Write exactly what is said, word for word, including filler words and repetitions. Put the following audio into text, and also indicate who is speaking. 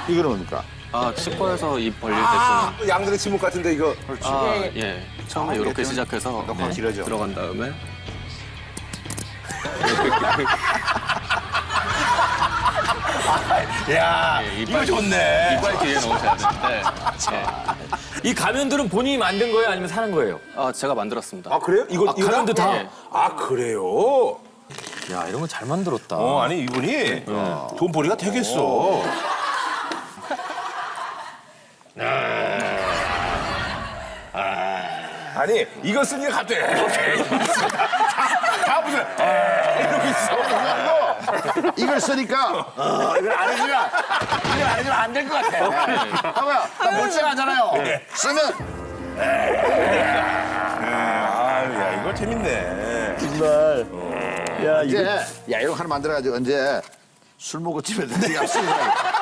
Speaker 1: 이거는 뭡니까?
Speaker 2: 아, 치과에서 입 벌릴 때
Speaker 3: 아,
Speaker 2: 쓰는.
Speaker 3: 양들의 침묵 같은데 이거.
Speaker 2: 아, 예. 처음에 이렇게 시작해서
Speaker 1: 너무 길어져.
Speaker 2: 들어간 다음에
Speaker 3: 야,
Speaker 2: 예,
Speaker 3: 이거
Speaker 2: 이빨-
Speaker 3: 좋네.
Speaker 2: 이빨 뒤에 넣으셔야 되는데. 예.
Speaker 4: 이 가면들은 본인이 만든 거예요? 아니면 사는 거예요?
Speaker 2: 아, 제가 만들었습니다.
Speaker 3: 아 그래요? 이거 이거
Speaker 4: 가면도 다?
Speaker 2: 예.
Speaker 3: 아 그래요?
Speaker 4: 야, 이런 거 잘 만들었다.
Speaker 3: 어 아니 이분이 돈벌이가 되겠어. 아, 아니 이거 쓰는 게 갑자기 이렇게 다 무슨 이러고 있어.
Speaker 1: 이걸 쓰니까 어, 이걸 안 해주면 이걸 안 해주면 안 될 것 같아. 봐봐요. 나 멀쩡하잖아요. 쓰면
Speaker 3: 아야 이거 재밌네.
Speaker 1: 이제 야 이거 하나 만들어가지고 언제 술 먹고 집에 들어가 쓰는 거야.